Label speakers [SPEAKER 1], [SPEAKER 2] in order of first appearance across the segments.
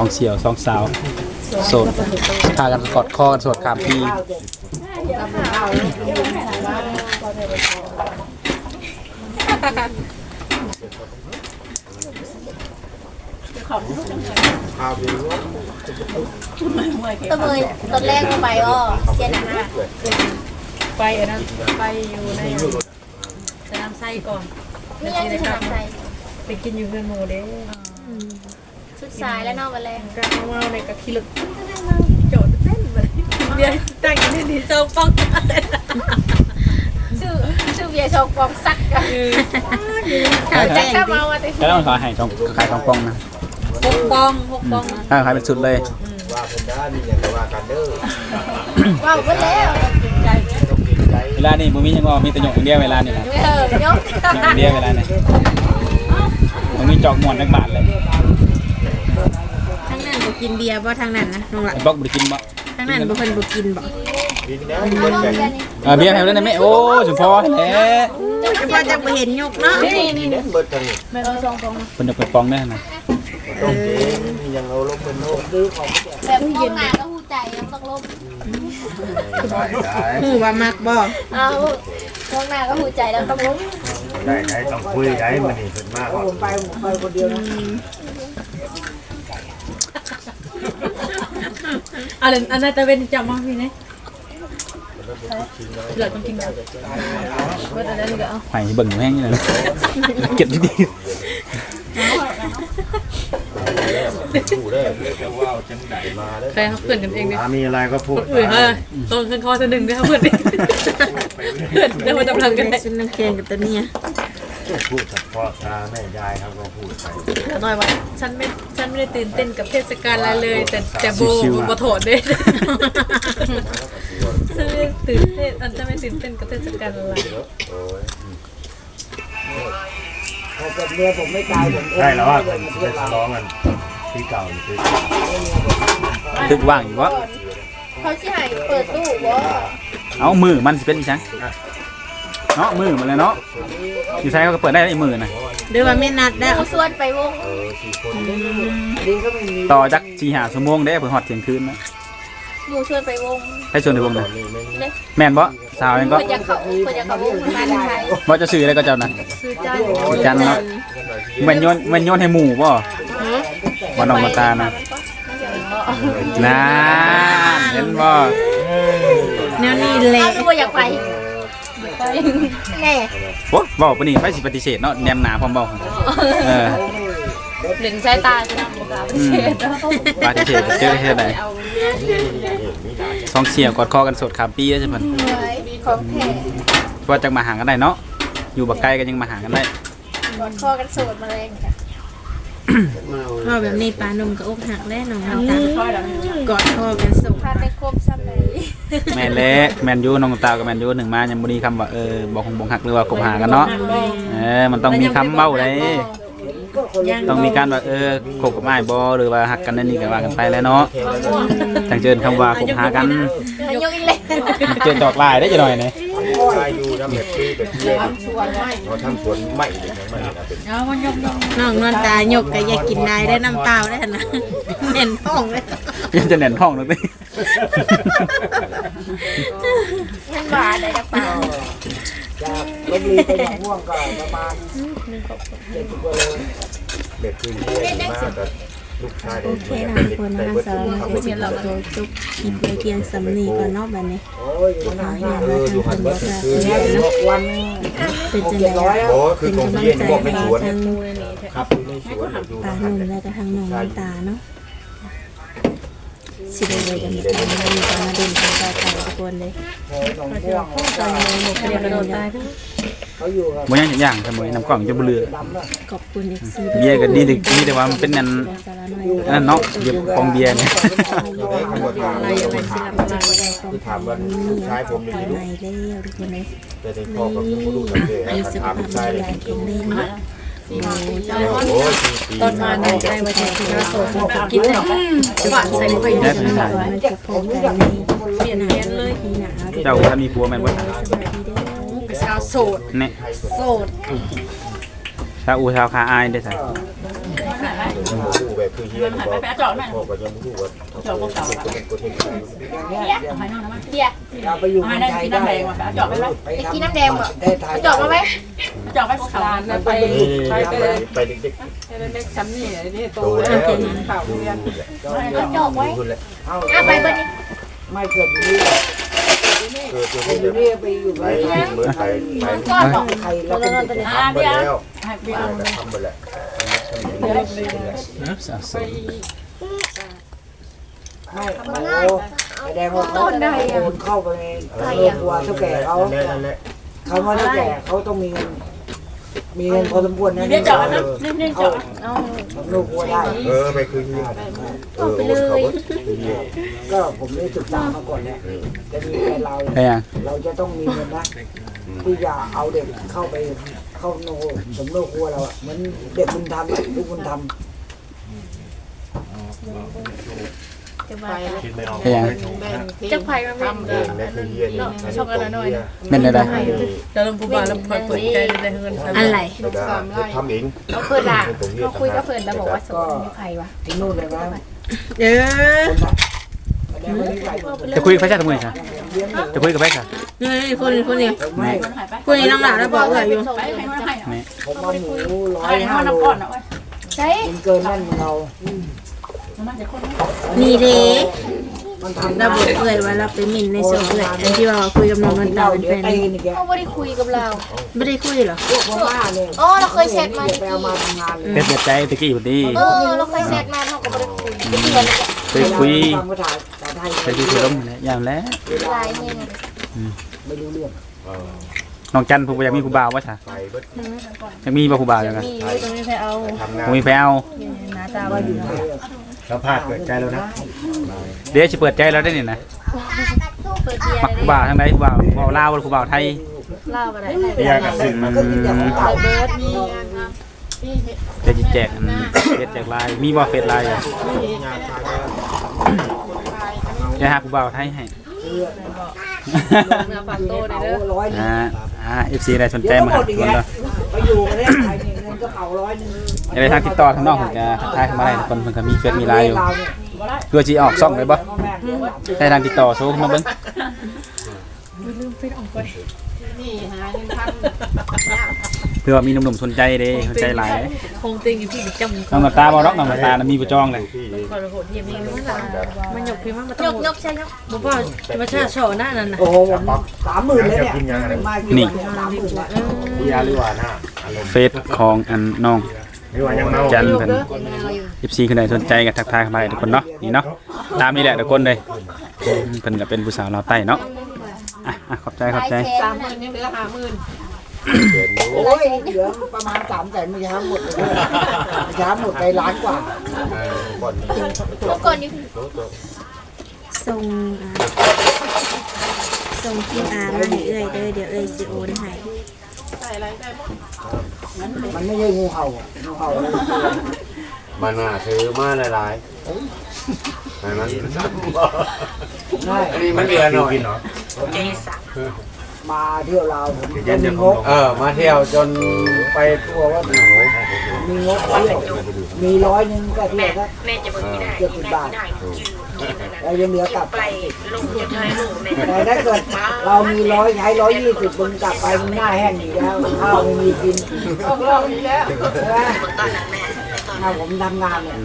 [SPEAKER 1] เสี่ยวสองสาวโสดพากันกอดคอกันโสดข้ามปี
[SPEAKER 2] ตัวมือตอนแรกไปก็เสียหนักนะ
[SPEAKER 3] ไปอันนั้นไปอยู่ในสนามไส้ก่อน
[SPEAKER 2] ไม่ยังจะทำใจ
[SPEAKER 3] ไปกินอยู่เพื่อนโมเด้
[SPEAKER 2] สุดสายแล้วนอกวันแรก
[SPEAKER 3] ก็มาในกะคิลึกโจดเต้นเลยเบียร์ตั้งอยู่ในที่เจ้าป้อง
[SPEAKER 2] ชื่อเบียร์ชงปองซักกันเขาแจ้งเข้ามาว่าแต่
[SPEAKER 1] แล้วต้องขายทองปองนะ
[SPEAKER 3] 6 ปอง
[SPEAKER 1] ถ้าขายเป็นชุดเลย
[SPEAKER 4] ว่าคนได้มีอย่างว่ากันเด้อ
[SPEAKER 2] ว้าวไปแล้ว
[SPEAKER 1] เวลานี่บุมียังมีแต่หยกอย่างเดียวเวลานี่นะ
[SPEAKER 2] ยก
[SPEAKER 1] อย่างเดียวเวลานี่มันมีจอกหมวนนักบาทเลย
[SPEAKER 5] ทางนั้นบ่กินเบียร์บ่ทางนั้นนะน้องละ
[SPEAKER 1] บอกบุกินบ่
[SPEAKER 5] ทางนั้นบ่เพิ่นบ่กินบ่
[SPEAKER 4] กินแล้ว
[SPEAKER 1] เบียร์แถวนั้นไหมโอ้สุพอแหละ
[SPEAKER 5] จะพอจะบ่เห็นยกเนาะ
[SPEAKER 4] นี่เบิดกันนี่
[SPEAKER 3] แม่เอาซองปอง
[SPEAKER 1] คนจะเปิดปองได้นะ
[SPEAKER 4] ต้องเจ๊มียังเอาลบเป็นโลกดื้อของ
[SPEAKER 2] แบบห้องน้ำก็หูใจต้องลบ
[SPEAKER 5] หูว่ามักบ่
[SPEAKER 2] เอาห้องน้ำก็หูใจแล้วต้องลบ
[SPEAKER 4] ได้ต้องคุยได้มันนี่เป็นมากผมไปคนเดียวนะ
[SPEAKER 3] อันนั้นจะเป็นจับมาพี่เนี่ยเหลือต้องกินกันเพื่ออะไรก็เอา
[SPEAKER 1] ไผ่เบิ่งแห้งนี่นะเก็บดี
[SPEAKER 3] ใครเขาเพื่อนกันเองดิ
[SPEAKER 4] มีอะไรก็พูด
[SPEAKER 3] อื่นต้นขึ้นคอจะหนึ่งด้วยครับเพื่อนเดี๋ยวมาจำลังกันได้
[SPEAKER 5] ชุดนักเรียนกับตัวเนี้ย
[SPEAKER 4] พูดกับพ่อตาแม่ยายครับก็พูดไป
[SPEAKER 3] หน่อยว่าฉันไม่ได้ตื่นเต้นกับเทศกาลอะไรเลยแต่โบโถดเด้ฉันไม่ตื่นเต้นฉันไม่ตื่นเต้นกับเทศกาลอะไร
[SPEAKER 4] ใช่แล้วว่าเป็นจะได้ร้องกันที่เก่าคือ
[SPEAKER 1] ตึกว่างอยู่วะ
[SPEAKER 2] เขาสิให้เปิดตู้บ่
[SPEAKER 1] เอามือมันสิเป็นอีสังเนาะมือมันเลยเนาะอยู่ใช้เขาก็เปิดได้อีมือนะ
[SPEAKER 5] หรือว่าไม่นัดได้
[SPEAKER 2] เอาส่วนไปวง
[SPEAKER 1] ต่อจาก4-5 ชั่วโมงได้เพิ่นฮอดเที่ยงคืนนะ
[SPEAKER 2] หมู่ชวนไปวง
[SPEAKER 1] ให้ชวนในวงเลยแม่นบ่สาวยังก็
[SPEAKER 2] เพิ่นอยากเข้าวงมาไทย
[SPEAKER 1] บ่จะซื้ออะไรก็เจ้านะ
[SPEAKER 2] ซื้อ
[SPEAKER 1] จันเนาะแม่นโยนให้หมู่บ่บ่น้องมาตานะน่าเห็นบ่
[SPEAKER 5] แนวนี้แหละ
[SPEAKER 2] บ่อยากไปแน่
[SPEAKER 1] โอ้บ่ปานนี้ไผสิปฏิเสธเนาะแนมหน้าพร้อมบ่
[SPEAKER 2] หลินใช้ตาใช่มั้ย
[SPEAKER 1] ปฏิเสธเจอเฮ็ดได้สองเสี่ยวกอดคอกันสดข้ามปีใช่เพิ่น
[SPEAKER 2] ของแท้
[SPEAKER 1] ว่าจังมาหากันได้เนาะอยู่บักไกลก็ยังมาหากันได้
[SPEAKER 2] กอดคอกันโสดมาเลยค่ะ
[SPEAKER 5] พ่อแบบนี้ปลาหนุ่มก็อกหักแล้วน้องน้ำตาลกอดคอกันสุข
[SPEAKER 2] พาไปครบซ้ำเลย
[SPEAKER 1] แม่เล็กแมนยูน้องตากับแมนยูหนึ่งมายังบ่มีคำว่าบอกคงบ่หักหรือว่าคบหากันเนาะมันต้องมีคำเบ้าเลยต้องมีการว่าคบกับอ้ายบ่หรือว่าหักกันนั่นนี่ก็ว่ากันไปแล้วเนาะจังเจิญคำว่าคบหากัน
[SPEAKER 2] ยกอีกเลย
[SPEAKER 1] เจิญดอกลายได้จังหน่อยนี่
[SPEAKER 4] อยู่ทำแบบที่เป็นเพื่อนเราทำสวนใหม่เลยนะมันเป็น
[SPEAKER 5] น้องนวลตายกก็อยากกินได้ได้น้ำเปล่าได้นะเน่นท้องเลย
[SPEAKER 1] ยังจะเน่นท้องเลยสิ
[SPEAKER 2] มันหวานเลยกระเป๋า
[SPEAKER 4] จากลบลีไปอย่างม่วงก็ประมาณ7 กว่าโลเด็กคือเรียนมากแต่ลูกชายโอเค
[SPEAKER 5] นะทุกคนนะสารนักเรียนเราโตจุกกินไปเพียงสำนีก่อนนอกแบบนี้ขอให้อย่างละทางคนบอกว่าวันเป็นจังไรเป็นกำลังใจให้ทางปลาหนุ่มและก็ทางน้องน้ำตาเนาะสิได้เลยกันตอนนี้มีการมาเดินทางต่อไปทุกคนเลยตอนนี้หมดเรียนกระโดดตายทั้ง
[SPEAKER 1] บ่ยังอย่างสมุยน้ำกล่องจะบ่เหลือ
[SPEAKER 5] ขอบคุณFC
[SPEAKER 1] เบียร์ก็ดีแต่ว่ามันเป็นนั่นเนาะเบียร์ของเบียร์เนี่ย
[SPEAKER 5] อะไรอย่างไรสิรับมาได้ความถามว่าใช้ผมนี่ดูแล้วทุกคนเลย
[SPEAKER 4] แต่ในคอกับผู้ดูสังเกตถามใช่เลย
[SPEAKER 3] ตอนมาในใจว่าจะกินน้ำโซ่กินได้หวานใส่ไป
[SPEAKER 5] ได้มันจะพบกันเปลี่ยนเลย
[SPEAKER 1] เจ้าถ้ามีผัวแม่นบ่
[SPEAKER 3] เป็นสาวโสด
[SPEAKER 1] เนี่ย
[SPEAKER 3] โสด
[SPEAKER 1] ชาวอูชาวคาอายได้ใส่
[SPEAKER 4] ผู้แบบคือเฮียนี่บอกพ่อก็ยังผู้ว่าเจ้าก็เก่าเราไปอยู่เมืองไทยได้
[SPEAKER 2] กินน้ำแดงบ่จอกมาไหมจอกไปพวกเขา
[SPEAKER 4] ไปเด็ก
[SPEAKER 3] ๆซ้ำนี่นี่โตแล้วข่าวเรียน
[SPEAKER 2] จอกไว้ไปเบิดนี่
[SPEAKER 4] ไม่เกิดอยู่นี่เกิดอยู่นี่ไปอยู่ไปเหมือนไปใครแล้วเป็นทำไปแล้วทำไปแล้วไม่แสดงว่าต้นได้เข้าไปในครัวเท่าแก่เขาเขาว่าเท่าแก่เขาต้องมีเงินพอสมควรนะนี่จอดนะนี่จอดเอาลูกวัวได้ไปคืนนี่ไปเลยก็ผมได้ศึกษามาก่อนเนี่ยจะมีแฟนเราจะต้องมีเงินนะที่จะเอาเด็กเข้าไปเข้าโนสมโนครัวเราอ่ะเหมือนเด็กบุญธรรมลูกบุญธรรม
[SPEAKER 2] จะไปมันทำช่องอะไรหน่อย
[SPEAKER 1] เป็นอะไร
[SPEAKER 3] จะลงปูบาแล้วคอยเปิดใจในเงิน
[SPEAKER 5] อะไร
[SPEAKER 4] ทำเอง
[SPEAKER 2] เราเพื่อนละเราคุยกับเพื่อนแล้วบอกว่าสมมติใครวะ
[SPEAKER 4] ที่นู่นเลยนะ
[SPEAKER 1] จะคุยกับใครใช่ทำไมใช่จะคุยกับใครใช่
[SPEAKER 5] นี่คนนี้น้องหลานแล้วบอกว่าอยู่
[SPEAKER 4] ผมว่าหมู105 โล
[SPEAKER 2] ใช่
[SPEAKER 4] เกินนั่นเรา
[SPEAKER 5] นี่เด้เราบอกเลยว่าเราไปหมิ่นในโซเชียลอันที่ว่าคุยกับน้องนนท์ตาเป็นแฟน
[SPEAKER 2] เขาไม่ได้คุยกับเรา
[SPEAKER 5] ไม่ได้คุยหรอ
[SPEAKER 2] อ๋อเราเคยแชทมา
[SPEAKER 1] เป็นแบบใจตะกี้พอดี
[SPEAKER 2] เราเคยแชทมาเขาก็ไม่ได้คุย
[SPEAKER 1] เคยคุยเคยคุยล้มอย่างแล้ว
[SPEAKER 4] ไม่รู้เรื่อง
[SPEAKER 1] น้องจันผู้อยากมีผู้บ่าวว่าใช่อยากมีบ่ผู้บ่าวยังไง
[SPEAKER 2] มีตรงนี้ไปเอา
[SPEAKER 1] มีไปเอา
[SPEAKER 2] หน้าตาว่าอยู่
[SPEAKER 4] สัมภาษณ์เปิดใจแล้วนะ
[SPEAKER 1] เดี๋ยวจะเปิดใจแล้วได้นี่นะมักผู้บ่าวทางใดผู้บ่าวลาวหรือผู้บ่าวไทย
[SPEAKER 2] ลาวอะไร
[SPEAKER 1] อยากสิ่งมันจะแจกเฟซแจกไลน์มีบ่เฟซไลน์จะหาผู้บ่าวไทยให้FC ได้สนใจมาคนละ
[SPEAKER 4] ไปอยู่ประเทศไทยเงินก็เอา100
[SPEAKER 1] ไปทางติดต่อทางนอกผมจะทักทายเข้ามาได้ทุกคนเพิ่นก็มีเฟซมีไลน์อยู่เพื่อสิออกช่องได้บ่ได้ทางติดต่อโซมาเบิ่ง
[SPEAKER 2] นี่หาเงินพัน
[SPEAKER 1] เพื่อมีหนุ่มๆสนใจเด้สนใจหลาย
[SPEAKER 3] คงติงอยู่พี่จำ
[SPEAKER 1] น้องตาบ่ดอกน้องตามีบ่จองเลย
[SPEAKER 3] มันหยกพี่มัน
[SPEAKER 2] ยกใช่ยก
[SPEAKER 3] บ่ว่ามาชาโชว์หน้านั่นน่ะ
[SPEAKER 4] โอ้โห30,000เลยเนี่ย
[SPEAKER 1] นี่
[SPEAKER 4] หรือว่าหน้า
[SPEAKER 1] เฟซของอันน้องจันเพิ่น FC คือใดสนใจก็ทักทายเข้ามาได้ทุกคนเนาะนี่เนาะตามนี่แหละทุกคนเลยเพิ่นก็เป็นผู้สาวลาวใต้เนาะขอบใจ
[SPEAKER 3] 30,000ยังเหลือ50,000
[SPEAKER 4] โอ้ยเหลือประมาณ300,000ไม่ช้าหมดเลยช้าหมดไปล้านกว่า
[SPEAKER 2] ก่อนอยู่
[SPEAKER 5] ส่งQR มาให้เอ้ยเด้อเดี๋ยวเอ้ยสิโอนให้
[SPEAKER 4] มันไม่ใช่งูเห่ามันน่ะซื้อมาหลายๆมันมันเดือนหน่อยมาเที่ยวลาวผมมีงบมาเที่ยวจนไปทั่วว่ามีงบเที่ยวมี100ก็เที่ยวสัก70 บาทแล้วยังเหลือกลับแต่ถ้าเกิดเรามี100ใช้120มึงกลับไปมึงหน้าแห้งอยู่แล้วข้าวไม่มีกิน
[SPEAKER 3] เรามีแล้ว
[SPEAKER 4] ถ้าผมทำงานเนี่ย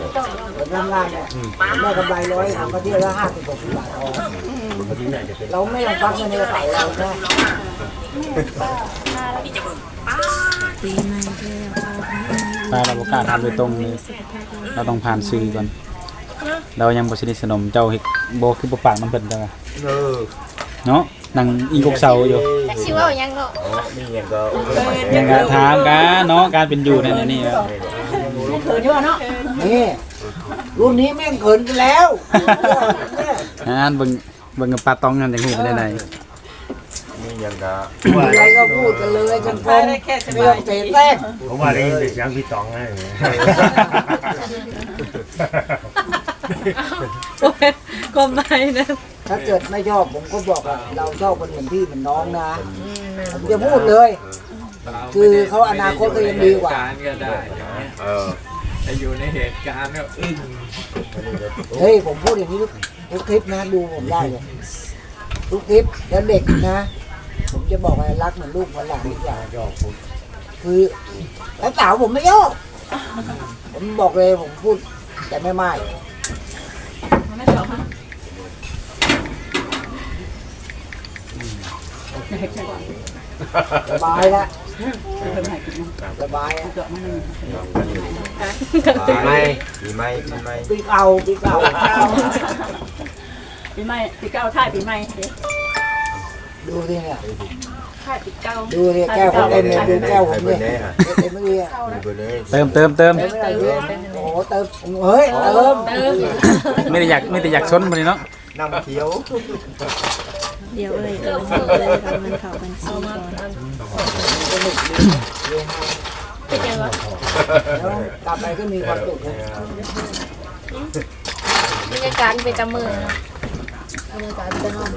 [SPEAKER 4] ได้กำไร100ทำมาเที่ยวละ50-60 บาทเราไม่ต้องฟักเงินในกระเป๋าเราใช่
[SPEAKER 5] ปีใหม่
[SPEAKER 1] ตาเราบ่กล้าทำโดยตรงเลยเราต้องผ่านสื่อก่อนเรายังบ่สนิทสนมเจ้าบ่คือบ่ปากมันเพิ่นจังเนาะนั่งอีกกเสาอยู่
[SPEAKER 2] แต่สิว่ายังเนาะ
[SPEAKER 4] นี่ยังก็
[SPEAKER 1] ยังถามกันเนาะการเป็นอยู่ในนี่ครับ
[SPEAKER 3] เขินอยู่เนาะ
[SPEAKER 4] นี่รุ่นนี้แม่งเขินกันแล้ว
[SPEAKER 1] เบิ่งกับปลาตองกันจังฮู้ไปได้
[SPEAKER 4] นี่ยังก็อะไรก็พูดกันเลยจนพงเรื่องเตะแท้ผมว่าได้ยินเสียงพี่ตองไง
[SPEAKER 3] ก็ไม่นะ
[SPEAKER 4] ถ้าเกิดไม่ชอบผมก็บอกว่าเราชอบคนเหมือนพี่เหมือนน้องนะผมจะพูดเลย คือเขาอนาคตก็ยังดีกว่า
[SPEAKER 6] อยู่ในเหตุการณ์เนี่ยอึ้ง
[SPEAKER 4] เฮ้ยผมพูดอย่างนี้ทุกคลิปนะดูผมได้เลยทุกคลิปแล้วเด็กนะผมจะบอกว่ารักเหมือนลูกเหมือนหลานทุกอย่างคือแล้วสาวผมไม่โยกผมบอกเลยผมพูดแต่ไม่สบายละสบายอ่ะ
[SPEAKER 6] ปีใหม่
[SPEAKER 4] ปีเก่า
[SPEAKER 3] ปีใหม่ปีเก้าท่ายปีใหม่
[SPEAKER 4] ดูสิเนี่ย
[SPEAKER 3] ท่ายปีเก้า
[SPEAKER 4] ดูสิแก้วผมเต็มเลยดูแก้วผมเนี่ยเต็มเลยอ่ะ
[SPEAKER 1] เติม
[SPEAKER 4] เติมไม่ได้เลยโอ้โหเติมเฮ้ยเติม
[SPEAKER 1] ไม่ได้อยากชนมันเลยเนาะ
[SPEAKER 6] นั่งเที่ยว
[SPEAKER 5] เดี๋ยวเลยทำมันเข้าบัญชีก่อน
[SPEAKER 4] แล้วกลับไปก็มีความสุขนะ
[SPEAKER 2] บรรยากาศเป็นตะมือนะบรรยากาศเป็นห้อง
[SPEAKER 4] ก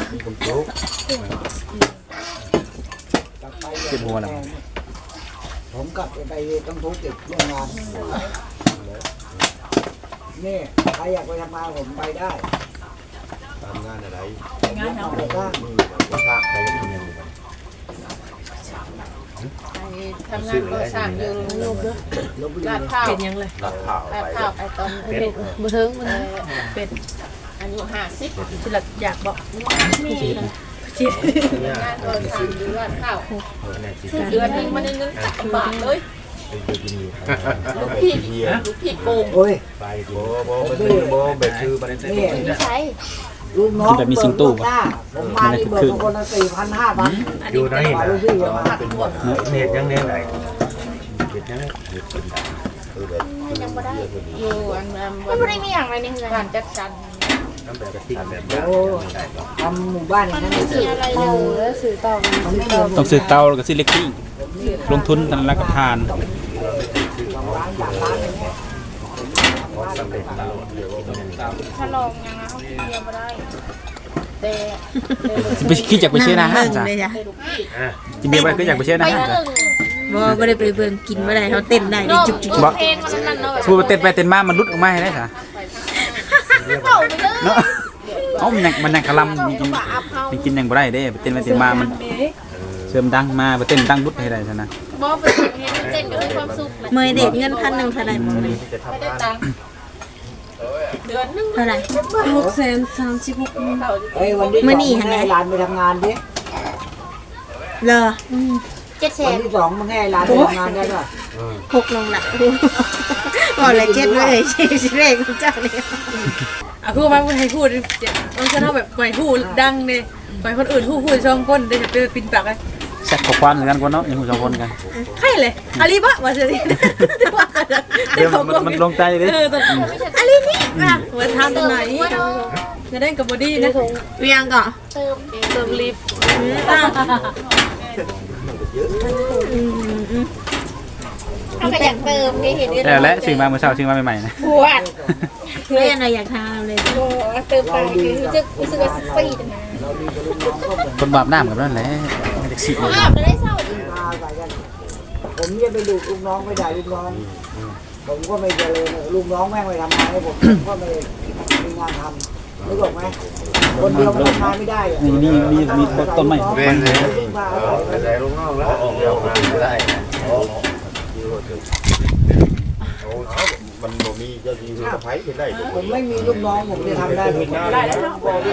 [SPEAKER 4] ลับไป
[SPEAKER 1] เจ็บหัวแล้ว
[SPEAKER 4] ผมกลับไปต้องทุกข์ติดโรงงานนี่ใครอยากไปทำงานผมไปได้
[SPEAKER 6] ทำงานอะไร
[SPEAKER 3] งานเนาะ
[SPEAKER 4] ไปบ้าง
[SPEAKER 6] ว่าพระใครจะทำยังไง
[SPEAKER 2] ทำงานก่อสร้างอยู่ลูกเด้อ
[SPEAKER 4] ลบบุรี
[SPEAKER 2] ลาดข้าว
[SPEAKER 3] เป็นยังเลย
[SPEAKER 6] รับข่าว
[SPEAKER 2] ลาด
[SPEAKER 6] ไป
[SPEAKER 2] ข้าวไปตอนเป็น
[SPEAKER 3] บ่ถึงมัน
[SPEAKER 2] เป็นอายุ50
[SPEAKER 3] สิลักอยากบอก
[SPEAKER 2] มี
[SPEAKER 3] จิต
[SPEAKER 2] งานก่อสร้างอยู่ลาดข้าวเดือนนึงมันได้เงิน3 บาทเลยลูกพี่โกง
[SPEAKER 4] โอ้ย
[SPEAKER 6] โบแบบคือมัน
[SPEAKER 4] นี่
[SPEAKER 2] ไม่ใช่
[SPEAKER 4] ลูกน้องผมมาที่เบิกคนละ4,000-5,000
[SPEAKER 6] อยู่ไหน
[SPEAKER 4] มา
[SPEAKER 6] นะ
[SPEAKER 4] ลูกพี่มา
[SPEAKER 6] เน็ตยังเน็ตไหนเน็ตยัง
[SPEAKER 2] ยังบ่ได้อยู่อันมันบ่ได้มีอย่างไรในเฮือนการจัดสรร
[SPEAKER 6] น้ำแบบกระติกแบบ
[SPEAKER 4] โอ้ทำหมู่บ้านอย่างนั้น
[SPEAKER 2] ไม่มีอะไรเลยแล้วสื่อต่อกัน
[SPEAKER 1] ต้องซื้อเตาแล้วก็ซื้อเล็กที่ลงทุนกันแล้วก็ทาน
[SPEAKER 4] ร้านจากร้านอย่างเงี้ย
[SPEAKER 6] สำเร็จตลอดเดี๋ยว
[SPEAKER 2] ถ้าลองยังนะเขาเดียวบ่ได้แต่
[SPEAKER 1] ไปคิดอยากไปเช่นอาหารจ้ะ
[SPEAKER 5] เลยจ้ะ
[SPEAKER 2] ลูกพี่
[SPEAKER 1] จิเบียร์ไปก็อยากไปเช่น
[SPEAKER 2] ไป
[SPEAKER 1] อาหารจ้ะ
[SPEAKER 5] บ่ได้ไปเบิ่งกินบ่ได้เขาเต้นได้ดิจุก
[SPEAKER 2] เพลงมันนั่นเนาะ
[SPEAKER 1] พูดไปเต้นไปเต้นมามันรุดออกมาให้ได้จ้ะ
[SPEAKER 2] เป่าไปเลย
[SPEAKER 1] เนาะเอ้ามันยังกะลำกินยังบ่ได้เด้ไปเต้นไปเต้นมามันเสริมดังมาไปเต้นดังรุดให้ได้ซะนะ
[SPEAKER 2] บ่ไปเห็นเต้นก็มีความสุขแหละ
[SPEAKER 5] ๆเมยเด็กเงิน1,000เท่าไหร่บ่
[SPEAKER 2] ไม่ได้ตังค์เดือนนึง
[SPEAKER 5] เท่าไหร่
[SPEAKER 4] เฮ้ยวันที่2ให้ร้านไปทำงานดิ
[SPEAKER 5] เลอ
[SPEAKER 2] 700,000
[SPEAKER 4] วันที่2มึงให้ร้านไปทำงานได้ป่ะ
[SPEAKER 5] 6ลงละบอกเลย7เลยสิเลขของเจ้านี่
[SPEAKER 3] อ่ะคือว่าให้พูดมันจะเท่าแบบปล่อยพูดดังเนี่ยปล่อยคนอื่นพูดช่องคนเดี๋ยวจะปินปากเลย
[SPEAKER 1] แซ่บกว่าความเหมือนกันกว่าเนาะอย่างหูสองคนกัน
[SPEAKER 3] ใครเลยอาลีบะว่าจะดี
[SPEAKER 1] เดี๋ยวมันลงใจดิ
[SPEAKER 3] อาลีนี่อ่ะว่าทำตรงไหนจะได้กับบอดี้นะ
[SPEAKER 5] เวียงก่อน
[SPEAKER 2] เติมลิฟต์เขาก็อยากเติมไงเห็น
[SPEAKER 1] แต่และซื้อมาเมื่อเช้าซื้อมาใหม่ๆนะ
[SPEAKER 2] ปวด
[SPEAKER 5] เวียงอะไรอยากทำเลย
[SPEAKER 2] โอ้เติมไปคือรู้สึกว่าซีดนะ
[SPEAKER 1] คนบาปหน้าเหมือนกันนั่นแหละไม่ได้สิ
[SPEAKER 2] อาบได้เศร้า
[SPEAKER 4] มาใส่กันผมจะไปดูลูกน้องไม่ได้ลูกน้องผมก็ไม่เจริญลูกน้องแม่งไปทำงานให้ผมก็ไม่มีงานทำนึกออกไหมคนเดียวทำงานไม่ได้อะ
[SPEAKER 1] มีต้นไม้
[SPEAKER 6] เป็นเลยแต่ลูกน้องแล้วเดี๋ยวงานไม่ได้มันบ่มีเจ้าที่สะพ้ายเป็นได้
[SPEAKER 4] ผมไม่มีลูกน้องผมจะทำได้ผม
[SPEAKER 3] ได้แล้ว
[SPEAKER 4] บอกเลย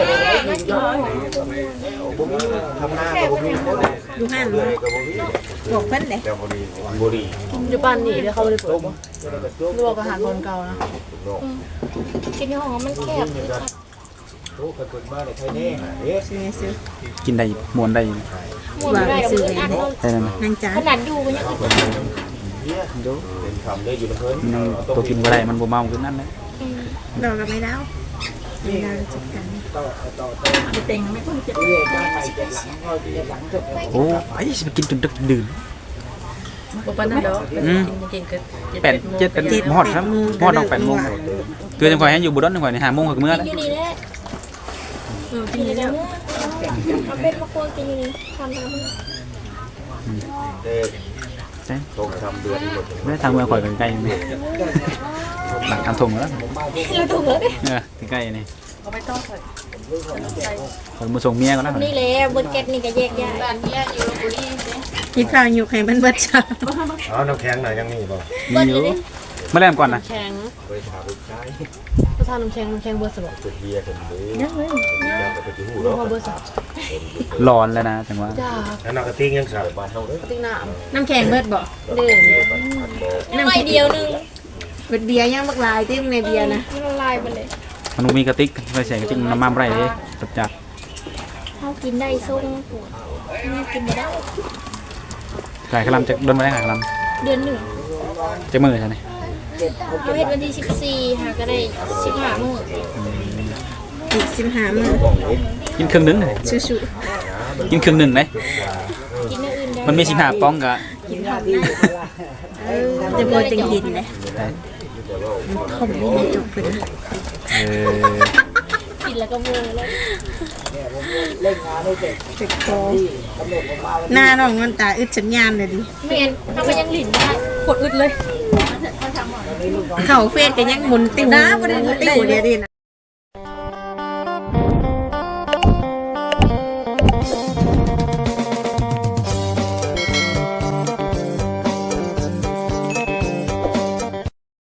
[SPEAKER 4] ผมมี
[SPEAKER 6] ทำหน้าก็บ่มี
[SPEAKER 5] ดูห้าน
[SPEAKER 6] เลยก็บ่มี
[SPEAKER 5] บอกเพิ่นเลย
[SPEAKER 6] แต่บ่มีบ่ดี
[SPEAKER 3] อยู่บ้านนี่เดี๋ยวเขาไปเปิดลวกอาหารคนเก่านะ
[SPEAKER 2] กินในห้องมันแคบ
[SPEAKER 6] โอ้คนบ้านใครแน่เอ๊ะ
[SPEAKER 5] ซื้อซื้อ
[SPEAKER 1] กินได้มวนได้
[SPEAKER 2] หมุนได้หมุนได้
[SPEAKER 1] ใช่ไหม
[SPEAKER 5] นางจ๋า
[SPEAKER 2] ขนาดอยู่มันยัง
[SPEAKER 6] เป็นคำได้อยู่นะเพิ่น
[SPEAKER 1] ตัวกินก็ได้มันบ่เมาคือนั่นแหละ
[SPEAKER 5] ดอกกับไม่ดาวไม่ดาวจัดการ
[SPEAKER 3] มีเต็งไม่ค่อยเจ็บ
[SPEAKER 4] เรียกได้ไปเจ็ดหลังก็เจ็ดหลังจบ
[SPEAKER 1] โอ้ยไปกินจนดึกดื่น
[SPEAKER 3] บ่ปานนั้นดอกกินก็
[SPEAKER 1] 8 7 ฮอดครับฮอดต้อง8 โมงคือจังข่อยให้อยู่บุดอนจังข่อยนี่5 โมงก็มื้อแล้ว
[SPEAKER 2] อยู่นี่แหละ
[SPEAKER 3] กินแล้ว
[SPEAKER 2] เอาเป็นมะกรูดกินอยู่นี่ทำ
[SPEAKER 6] เด็ก
[SPEAKER 1] ใช่
[SPEAKER 6] ตก3เดือนหมด
[SPEAKER 1] ไม่ได้ทางเมืองข่อยใกล้ๆนี่หลังทำทงแล้วใกล้ๆนี่
[SPEAKER 3] เอาไปต้องใส่
[SPEAKER 1] คนมาส่งเมียก็แล้ว
[SPEAKER 5] นี่แหละบนแก๊สนี่ก็แยกย้าย
[SPEAKER 2] บ้านเมียอยู่ลพบุรี
[SPEAKER 5] กินข้าวอยู่ให้มันเบิดจ้า
[SPEAKER 6] เอาน้ำแข็งหน่อยยังมีบ่
[SPEAKER 1] มีอยู่มาแล่มก่อนนะ
[SPEAKER 2] แข็ง
[SPEAKER 6] ไปถามลูกชาย
[SPEAKER 2] ก็ทานน้ำแข็งเบอร์สบ
[SPEAKER 6] จุดเบียร์กันเลยยังเลยยังไปที่หูแล้ว
[SPEAKER 2] เบอร์สบ
[SPEAKER 1] ร้อนแล้วนะจังหวะ
[SPEAKER 2] จ้า
[SPEAKER 6] แล้วนอกกระติ้งยังใส่บ้านเฮาเด้อ
[SPEAKER 2] ติ๊กน้
[SPEAKER 5] น้ำแข็งเบิดบ่
[SPEAKER 2] ำดื่ม
[SPEAKER 5] น้ำเดียวนึงเบิดเบียร์ยังบักลายติ้มในเบียร์นะ
[SPEAKER 2] ละลายไปเลย
[SPEAKER 1] มันมีกระติกไปใส่กระติกน้ำมันไรเลยจับ
[SPEAKER 5] เขากินได้ส่งนี่กินไม่ได้
[SPEAKER 1] ไก่ขลำจะโดนมาได้ไก่ขล
[SPEAKER 5] เดือนหนึ่ง
[SPEAKER 1] ำจะมือใช่ไหม
[SPEAKER 5] เขาเฮ็ดวันที่14หาก็ได้15มื้ออีก15มื้อ
[SPEAKER 1] กินครึ่งหนึงเลย
[SPEAKER 5] ชู
[SPEAKER 1] กินครึ่งหนึ่งเลย
[SPEAKER 5] ๆกินอย่างอื่นได้
[SPEAKER 1] มันมี15ป้องกะ
[SPEAKER 5] จะบ่จังกินเลยเขาบ่ได้จบเพิ่น กินแล้วก็เมื่อยแล้ว
[SPEAKER 4] เล่นงานให้เสร็จ
[SPEAKER 5] เจ็บคอ
[SPEAKER 4] กำหนดออกมา
[SPEAKER 5] หน้าน้องมันตาอึดสัญญาณเลยดิ
[SPEAKER 2] ไม่งั้นถ้ามันยังหลินได้
[SPEAKER 3] ขวดอึดเลย
[SPEAKER 5] เข่าเฟซก็ยังหมุนติ้วนะบ่ได้ติ้วเดี๋ยวดิ